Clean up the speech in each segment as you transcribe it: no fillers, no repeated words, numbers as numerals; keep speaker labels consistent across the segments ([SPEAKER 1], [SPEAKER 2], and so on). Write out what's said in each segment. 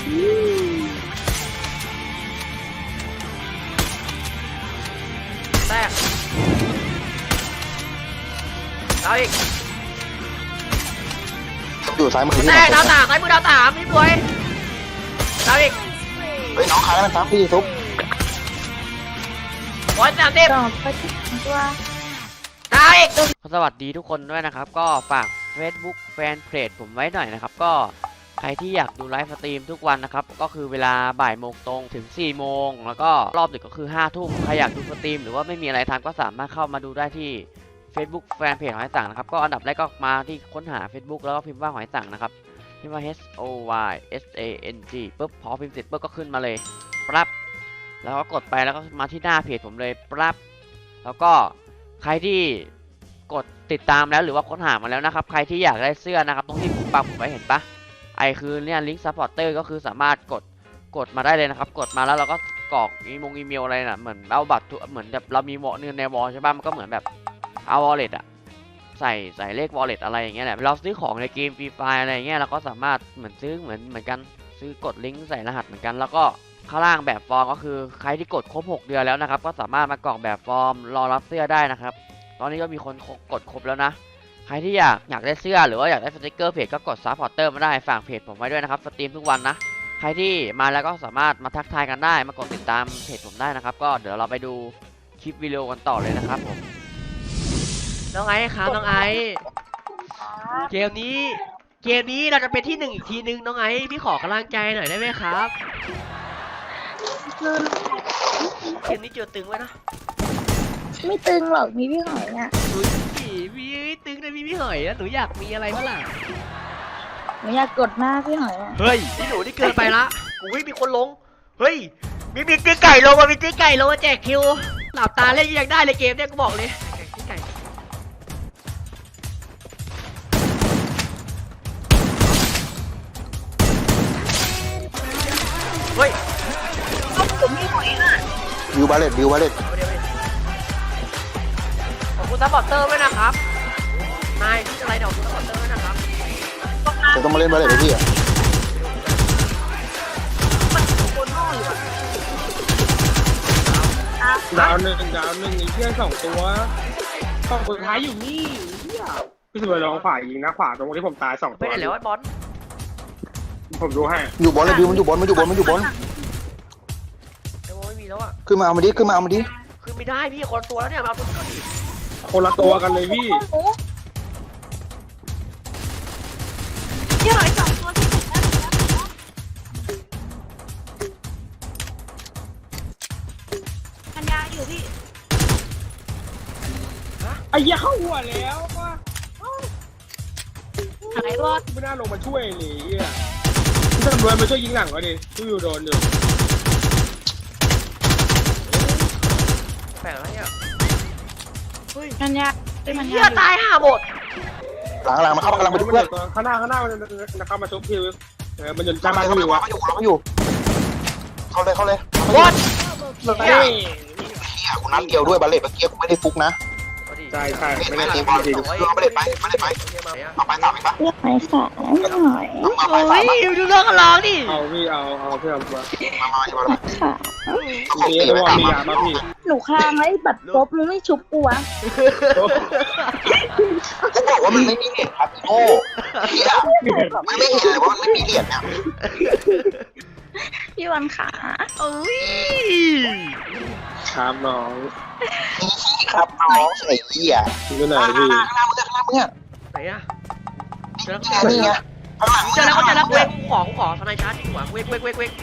[SPEAKER 1] แตกเอาอีก
[SPEAKER 2] อยู่ซ้ายมือที่
[SPEAKER 1] แตกดาวสามซ้ายมือดาวสามพี่บวยเอาอีก
[SPEAKER 2] เฮ้ยน้องขายแล้วนะครับพี่ทุบ
[SPEAKER 1] 130
[SPEAKER 3] ตัว
[SPEAKER 1] เอาอีกสวัสดีทุกคนด้วยนะครับก็ฝาก Facebook แฟนเพจผมไว้หน่อยนะครับก็ใครที่อยากดูไลฟ์สตรีมทุกวันนะครับก็คือเวลาบ่ายโมงตรงถึง4โมงแล้วก็รอบดึกก็คือ5ทุ่มใครอยากดูสตรีมหรือว่าไม่มีอะไรทำก็สามารถเข้ามาดูได้ที่ Facebook แฟนเพจหอยสังนะครับก็อันดับแรกก็มาที่ค้นหา Facebook แล้วก็พิมพ์ว่าหอยสังนะครับพิมพ์ว่า HOYSANG ปุ๊บพอพิมพ์เสร็จปุ๊บก็ขึ้นมาเลยปั๊บแล้วก็กดไปแล้วก็มาที่หน้าเพจผมเลยปั๊บแล้วก็ใครที่กดติดตามแล้วหรือว่าค้นหามาแล้วนะครับใครที่อยากได้เสื้อนะครับตรงที่ผมปักผมไว้เห็นปะไอคือเนี่ยลิงก์ซัพพอร์เตอร์ก็คือสามารถกดมาได้เลยนะครับกดมาแล้วเราก็กรอกอีเมลอะไรน่ะเหมือนเอาบัตรเหมือนแบบเรามีเงินในวอลใช่ปะมันก็เหมือนแบบเอาวอลเล็ตอะใส่เลขวอลเล็ตอะไรอย่างเงี้ยแหละเราซื้อของในเกมฟรีไฟอะไรอย่างเงี้ยเราก็สามารถเหมือนซื้อเหมือนกันซื้อกดลิงก์ใส่รหัสเหมือนกันแล้วก็ข้างล่างแบบฟอร์มก็คือใครที่กดครบ6เดือนแล้วนะครับก็สามารถมากรอกแบบฟอร์มรอรับเสื้อได้นะครับตอนนี้ก็มีคนกดครบแล้วนะใครที่อยากได้เสื้อหรือว่าอยากได้สติกเกอร์เพจก็กดซัพพอร์เตอร์มาได้ฝากเพจผมไว้ด้วยนะครับสตรีมทุกวันนะใครที่มาแล้วก็สามารถมาทักทายกันได้มากดติดตามเพจผมได้นะครับก็เดี๋ยวเราไปดูคลิปวิดีโอกันต่อเลยนะครับผมน้องไอซ์ครับน้องไอซ์เกมนี้เราจะเป็นที่1อีกทีนึงน้องไอซ์พี่ขอกำลังใจหน่อยได้ไหมครับเกมนี้เจอตึงไว้นะ
[SPEAKER 3] ไม่ตึงหรอกมีพี่หอยอ่ะ
[SPEAKER 1] พี่ตึงนะพี่หอยนะหนูอยากมีอะไรบ้างล่ะ
[SPEAKER 3] หนูอยากกดหน้าพี่หอยอ่ะ
[SPEAKER 1] เฮ้ยพี่หนูนี่เกินไปละอุ้ยมีคนลงเฮ้ยมีตีไก่ลงมามีตีไก่ลงมาแจกคิวหลับตาเล่นยังได้เลยเกมเนี่ยกูบอกเลยตีไก่เฮ้ย
[SPEAKER 3] ผมพี่หอยอ่ะ
[SPEAKER 2] วิวบาเลต
[SPEAKER 1] ขอบคุณซัพพอร์เตอร์ด้วยนะครับนายที่อะไรเดี๋ยวขอบคุณซัพพอร์เตอร์ด้วยนะครับ
[SPEAKER 2] จะต้องมาเล่นบาเลตกับพี่อ่ะ
[SPEAKER 4] ดาวหนึ่งอีกเพื่อน2ตัวสองคนท้ายอยู่นี่พี่สุรลองขวายิงนะขวาตรงที่ผมตาย2ตัว
[SPEAKER 1] ไม่ได้แล้วไอ้บอล
[SPEAKER 4] ผมดูให้
[SPEAKER 2] อยู่บอลเลยวิวมันอยู่บอลไอ้โม
[SPEAKER 1] ไม่มีแล้วอ่ะ
[SPEAKER 2] ขึ้นมาเอามาดิขึ้น
[SPEAKER 1] ไม่ได้พี่คนตัวแล้วเนี่ยมาเอาตัวนี้
[SPEAKER 4] คนละตัวกันเลยพี่
[SPEAKER 3] พี่หอย2ตัวที่ถูกแล้วปัญญาอยู่พี่
[SPEAKER 4] ไอ้เหี้ยเข้าหัวแล้วว่ะ
[SPEAKER 3] หายบอส
[SPEAKER 4] ไม่น่าลงมาช่วยเลยอ่ะพี่ตำรวจมาช่วยยิงหลังก็ดิพี่อยู่โดนอยู่
[SPEAKER 1] แปลกแล้วเนี่ย
[SPEAKER 3] ปัญญา
[SPEAKER 1] เหี้ยตายห่าหมด
[SPEAKER 2] หลังมันเข้ากำลังไปเพื่อน
[SPEAKER 4] ข้างหน้ามันเข้ามาชุบพี่มันจนจ้ามา
[SPEAKER 2] เขาอยู่เข้าเลย
[SPEAKER 1] บอล
[SPEAKER 2] คุณนัดเดียวด้วยบาเลตเมื่อกี้กูไม่ได้ฟุกนะ
[SPEAKER 4] ใช่
[SPEAKER 2] ไม่ได้ฟุกบอลไม่ได้ไปเอาไป3อีกปะ
[SPEAKER 3] เลือกหอยสามหอย
[SPEAKER 1] โอ้ยดูเรื่องกันร้องดิ
[SPEAKER 4] เอาพี่เอาเพื่อนมา
[SPEAKER 3] ค่ะ
[SPEAKER 4] พี่ว่ามียาบ้าพี่
[SPEAKER 3] หนูค้างไอ้บัตรป๊บมึงไม่ชุบกูวะ
[SPEAKER 2] เขาบอกว่ามันไม่มีเหรียญครับโอ้มันไม่เห็นเลยว่ามันไม่มีเหรียญเนี่ย
[SPEAKER 3] พี่วันขา
[SPEAKER 1] เอ้ย
[SPEAKER 4] ครับน้อง
[SPEAKER 2] ครับน้องไอ้เหี้ย
[SPEAKER 4] อยู่ไหนพี่
[SPEAKER 2] ข้างหน้ามึง
[SPEAKER 1] ไหนอะ
[SPEAKER 2] นี่ไง
[SPEAKER 1] เจอแล้วเว้งของทนายชาร์จหัวเว้ง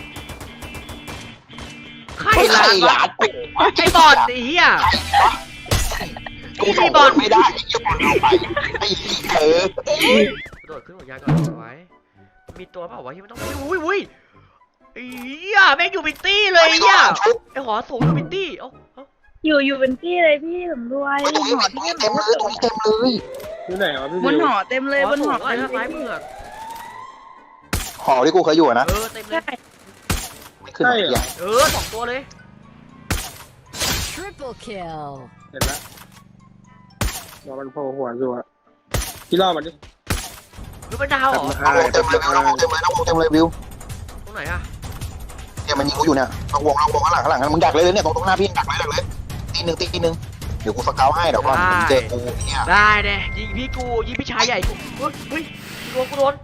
[SPEAKER 1] ใครหลานไอ้บอลไอ้เหี้ย
[SPEAKER 2] กูส่งบอลไม่ได้ไอ้เหี้ยบอลเอาไปไอ้
[SPEAKER 1] โดดขึ้นหัวยานก่อนไว้มีตัวเปล่าวะที่มันต้องอุ้ยไอ้เหี้ยแม่งอยู่เป็นตี้เลยไอ้เหี้ยไอ้หอสูงอยู่เป็นตี้
[SPEAKER 3] อยู่เป็นตี้เลยพี่ผมด้วยหอที่
[SPEAKER 2] เต็มเลย
[SPEAKER 4] อยู่ไหนวะพี่
[SPEAKER 3] บนหอเต็มเลยบนหอ
[SPEAKER 1] ไอ้ซ้ายมือ
[SPEAKER 2] หอที่กูเคยอยู่นะ
[SPEAKER 1] เต็มเลย
[SPEAKER 2] ขึ้นอย่าง
[SPEAKER 1] 2ตัวเลย
[SPEAKER 5] Triple kill
[SPEAKER 4] เห็นแล้วรอมันโผล่หัวอยู่อะพี่ล่อมันดิ
[SPEAKER 1] คือเป็นดาวเหรอ
[SPEAKER 2] เต็มเลยวิว
[SPEAKER 1] ไหนอะ
[SPEAKER 2] เนี่ยมันยิงกูอยู่เนี่ยลองวงข้างหลังมึงดักเลยเนี่ยตรงหน้าพี่ดักเลยตีหนึ่งเดี๋ยวกูสเกลให้เดี๋ยวก่อนมึงเจอกูเนี่ย
[SPEAKER 1] ได้เนี่ยยิงพี่กูยิงพี่ชายใหญ่กูเฮ้ยกูโดน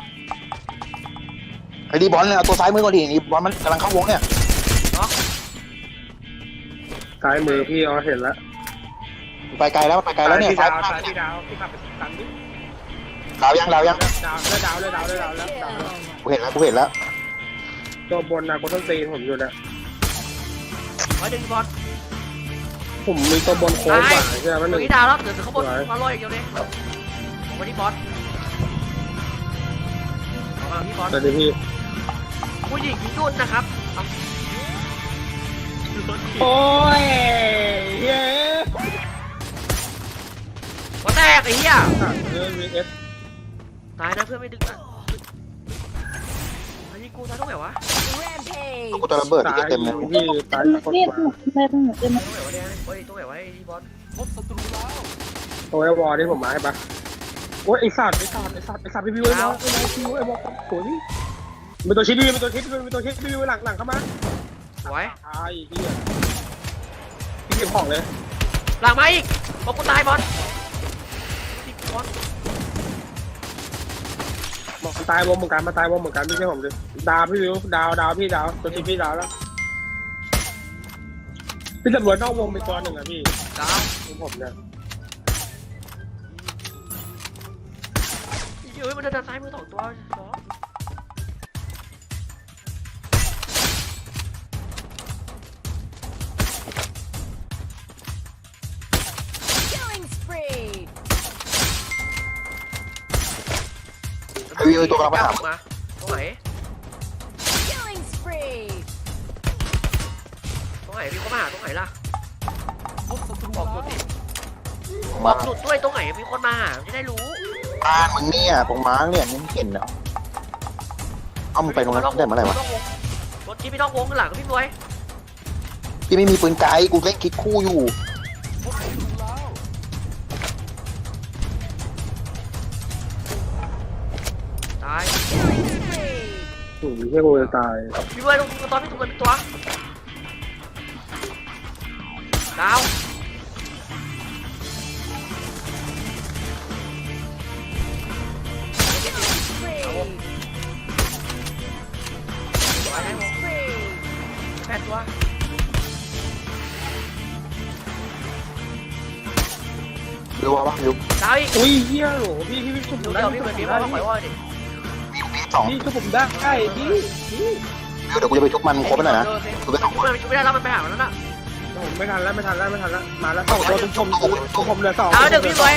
[SPEAKER 2] ไอ้ดีบอลเนี่ยเอาตัวซ้ายมือก่อนดินี่บอลมันกำลังเข้าวงเนี่ย
[SPEAKER 4] ซ้ายมือพี่เห็นแล้ว
[SPEAKER 2] ไปไกลแล้วเนี่ย
[SPEAKER 4] พี่
[SPEAKER 2] ซ้าย
[SPEAKER 4] ดาว
[SPEAKER 2] มือ
[SPEAKER 4] ซ้ายพี่ดาวพี่ขับไปตันดิ
[SPEAKER 2] ดาวยัง
[SPEAKER 4] ดาวแล้ว
[SPEAKER 2] กูเห็นแล้ว
[SPEAKER 4] ตัวบนนะกูต้องตีผมอยู่นะ
[SPEAKER 1] ร้อยดึงบอล
[SPEAKER 4] ผมมีตัวบนโค้งกว่าใช่ไหม
[SPEAKER 1] ต
[SPEAKER 4] มันห
[SPEAKER 1] ร
[SPEAKER 4] นึ่
[SPEAKER 1] ง
[SPEAKER 4] ง
[SPEAKER 1] นี้ดาวแล้วเดี๋ยวเขาบนมาลอยอย่างเดียวเลยผมมาที่บอลมาที่บอล
[SPEAKER 4] แต่เดี๋ยวพี่
[SPEAKER 1] ผู้หญิงที่นุ่นนะครับ
[SPEAKER 4] โอ้ยเย้
[SPEAKER 1] หัวแตกไอ้เหี้ย
[SPEAKER 4] VS
[SPEAKER 1] ตายนะเพื่อนไม่ดึงนะไอ้นี่กูตายตรงไหนวะ
[SPEAKER 2] กูจะระเบิดที่เต็มเลย
[SPEAKER 4] พี่ตายคน
[SPEAKER 3] นี่
[SPEAKER 4] กว่า
[SPEAKER 3] แม่ต้องหนูจะมา
[SPEAKER 1] ตรงไหนวะเนี่ยเฮ้ยตรงไหนวะไอ้บอล
[SPEAKER 4] ตัวไอ้วอลที่ผมมาให้ปะโอ้ยไอ้สัตว์พี่วิวไอ้วอลโอ้ยมีตัวชิดพี่วิวหลังเข้ามา
[SPEAKER 1] สวย
[SPEAKER 4] ไอ้เหี้ยพี่เก็บของเลย
[SPEAKER 1] หลังมาอีกบอกกูตายบอลบอล
[SPEAKER 4] มันตายวงเหมือนกันมาตายวงเหมือนกันพี่ใช่ผมดิดาวพี่วิวดาวพี่ดาวตัวชิดพี่ดาวแล้วพี่ตำรวจนอกวงมีตัวหนึ่งอะพี่
[SPEAKER 1] ดาว
[SPEAKER 4] ผมเนี่ย
[SPEAKER 1] เฮ้ยมันเดินซ้ายมือสองตัวสอง
[SPEAKER 2] ไอ้วิวตัวกำลังไปหา
[SPEAKER 1] มาตรงไหนพี่เขามาหาตรงไหนล่ะบอกจุดดิบ
[SPEAKER 2] มา
[SPEAKER 1] อกจุดด้วยตรงไหนมีคนมาหาจะได้รู้
[SPEAKER 2] บ้านมึงเนี่ยตรงม้าเนี่ยมึงเห็นเนาะเอามึงไปตรงนั้นได้เมื่อไหร่วะ
[SPEAKER 1] รถที่พี่ต้องวงข้างหลังพี่รวย
[SPEAKER 2] พี่ไม่มีปืนไกลกูเล่นคิดคู่อยู่
[SPEAKER 1] ตาย
[SPEAKER 4] โอ้ยเฮียกูจะตาย
[SPEAKER 1] พี่รวยตรงตอนพี่ถูกเป็นตัวดาวแปดตัว
[SPEAKER 2] ดูว่าปะดู
[SPEAKER 1] ดาวอีก
[SPEAKER 4] อุ้ยเฮียโหพี่ชุบผ
[SPEAKER 1] ดู
[SPEAKER 4] ม
[SPEAKER 1] เดี๋
[SPEAKER 4] ได้
[SPEAKER 1] ยวพี่เหมือนพี่ว่าต้องปล่อยว่าดิ
[SPEAKER 2] มีสอง
[SPEAKER 4] พี่ชุบผมได้พี่
[SPEAKER 2] เดี๋ยวกูจะไปชุบมันครบไปหน่อยนะ
[SPEAKER 1] มันชุบไม่ได้แล้วมันไปหาแล้วน่ะ
[SPEAKER 4] ผมไม่ทันแล้วมาแล้วสองตัวผมเหลือสอง
[SPEAKER 1] เอาเดี๋ยวพี่รวย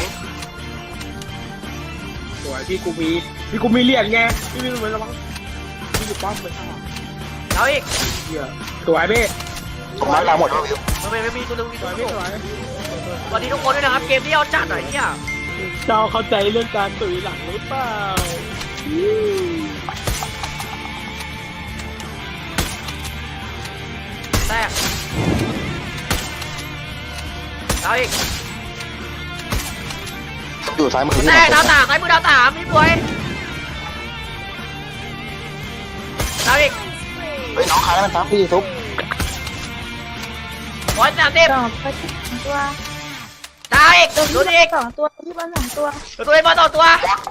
[SPEAKER 4] สวยพี่กูมีเหรียญไงพี่มีเหมือนระวังพี่อยู่ป้อมไปข้างหลัง
[SPEAKER 1] เอาอีก
[SPEAKER 4] เฮียสวยพี่
[SPEAKER 2] ตรงม้าตามหมดแล้ววิว
[SPEAKER 1] มันไม่มีตัวนึงมี
[SPEAKER 4] ส
[SPEAKER 1] ตัว
[SPEAKER 4] วย
[SPEAKER 1] นึ
[SPEAKER 4] พี่
[SPEAKER 1] ง
[SPEAKER 4] สวย
[SPEAKER 1] สวัสดีทุกคนด้วยนะครับเกมที่เอาจัดหน่อยเนี่ย
[SPEAKER 4] เจ้าเข้าใจเรื่องการตุ๋ยหลังหรือเปล่า
[SPEAKER 1] แตกเอาอีก
[SPEAKER 2] อยู่ซ้ายมือพี่
[SPEAKER 1] แตกดาวต่างไอ้มือดาวต่างพี่รวยเอาอีก
[SPEAKER 2] เฮ้ยน้องค้างมันซ้ำพี่ทุบ
[SPEAKER 1] 130
[SPEAKER 3] สองตัว
[SPEAKER 1] ดาวอีก
[SPEAKER 3] ตัว
[SPEAKER 1] ดู
[SPEAKER 3] ที่
[SPEAKER 1] อีก
[SPEAKER 3] สองตัวที่บ้านสองตัว
[SPEAKER 1] ตัวเองบอลต่อตัว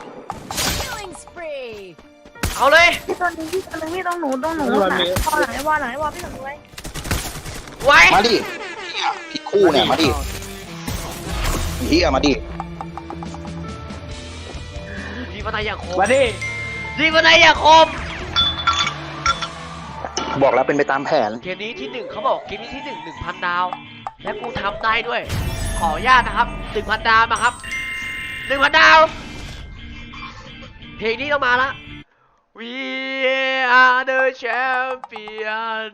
[SPEAKER 1] เอาเลย
[SPEAKER 3] พี่ตัวนึงพี่ตัวนึงพี่ต้องหนูหลังไอ้วอลพี่หนูไว้
[SPEAKER 1] ไว้
[SPEAKER 2] มาดิคิดคู่เนี่ยมาดิเฮียมาดิ
[SPEAKER 1] ยิงมาในอย่างคม
[SPEAKER 4] มาดิ
[SPEAKER 1] ยิงมาในอย่างคม
[SPEAKER 2] บอกแล้วเป็นไปตามแผน
[SPEAKER 1] เกมนี้ที่1เขาบอกเกมนี้ที่1 1,000 ดาว และกูทำได้ด้วย ขออนุญาตนะครับ 1,000 ดาวนะครับ 1,000 ดาว เพลงนี้ต้องมาละ We are the champion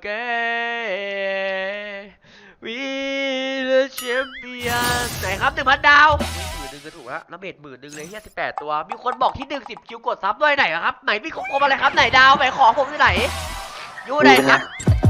[SPEAKER 1] again We the champion ไหนครับ 1,000 ดาว10,000ก็ถูกแล้วแล้วเบส10,000เลยเฮีย18 ตัว มีคนบอกที่10คิวกดซับด้วยไหนอะครับ ไหนพี่คมอะไรครับ ไหนดาวไหนของผมอยู่ไหน อยู่ไหนครับ